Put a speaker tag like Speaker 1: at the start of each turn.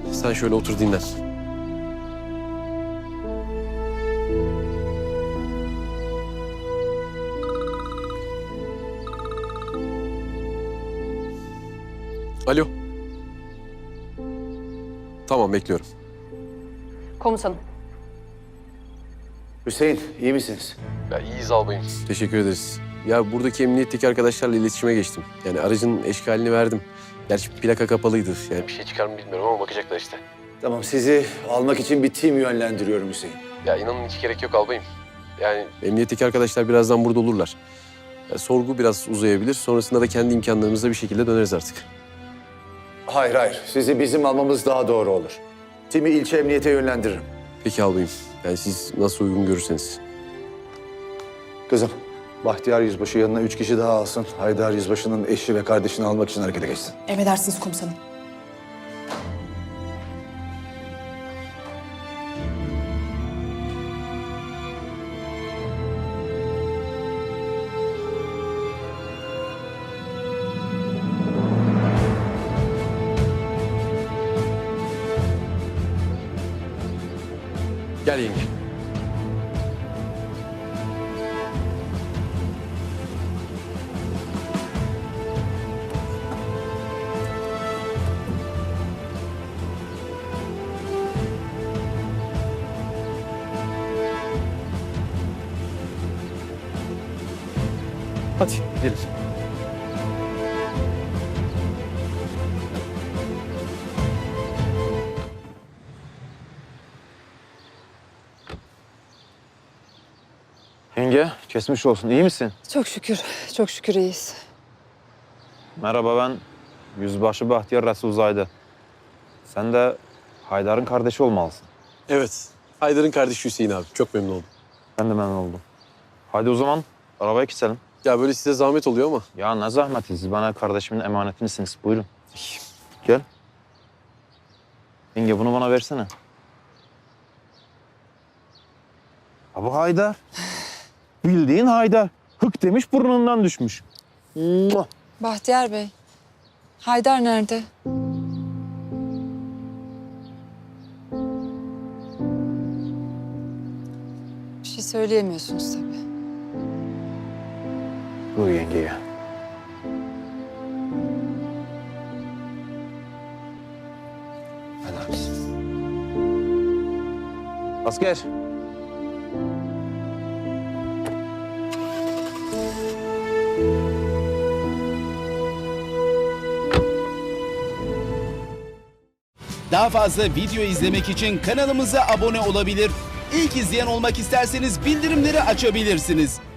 Speaker 1: Sen şöyle otur dinlen. Alo. Tamam, bekliyorum.
Speaker 2: Komutanım.
Speaker 3: Hüseyin, iyi misiniz?
Speaker 1: Ya iyiyiz albayım. Teşekkür ederiz. Ya buradaki emniyetteki arkadaşlarla iletişime geçtim. Yani aracın eşkalini verdim. Gerçi plaka kapalıydı. Yani bir şey çıkar mı bilmiyorum ama bakacaklar işte.
Speaker 3: Tamam, sizi almak için bir tim yönlendiriyorum Hüseyin.
Speaker 1: Ya inanın hiç gerek yok albayım. Yani emniyetteki arkadaşlar birazdan burada olurlar. Ya, sorgu biraz uzayabilir. Sonrasında da kendi imkanlarımızla bir şekilde döneriz artık.
Speaker 3: Hayır. Sizi bizim almamız daha doğru olur. Timi ilçe emniyete yönlendiririm.
Speaker 1: Peki albayım. Yani siz nasıl uygun görürseniz.
Speaker 3: Kızım, Bahtiyar Yüzbaşı yanına 3 kişi daha alsın. Haydar Yüzbaşı'nın eşi ve kardeşini almak için harekete geçsin.
Speaker 2: Emredersiniz komutanım.
Speaker 1: Gel yenge. Hadi gidelim.
Speaker 4: Yenge, geçmiş olsun. İyi misin?
Speaker 2: Çok şükür iyiyiz.
Speaker 4: Merhaba, ben Yüzbaşı Bahtiyar Resul Zayde. Sen de Haydar'ın kardeşi olmalısın.
Speaker 1: Evet. Haydar'ın kardeşi Hüseyin abi. Çok memnun oldum.
Speaker 4: Ben de memnun oldum. Hadi o zaman arabaya geçelim.
Speaker 1: Ya böyle size zahmet oluyor ama.
Speaker 4: Ya ne zahmeti, siz bana kardeşimin emanetinizsiniz. Buyurun. Gel. Yenge bunu bana versene. Ha bu Haydar. Bildiğin Haydar. Hık demiş burnundan düşmüş. Muah.
Speaker 2: Bahtiyar Bey, Haydar nerede? Bir şey söyleyemiyorsunuz tabii.
Speaker 4: Dur yengeye. Hadi abisi. Asker.
Speaker 5: Daha fazla video izlemek için kanalımıza abone olabilir. İlk izleyen olmak isterseniz bildirimleri açabilirsiniz.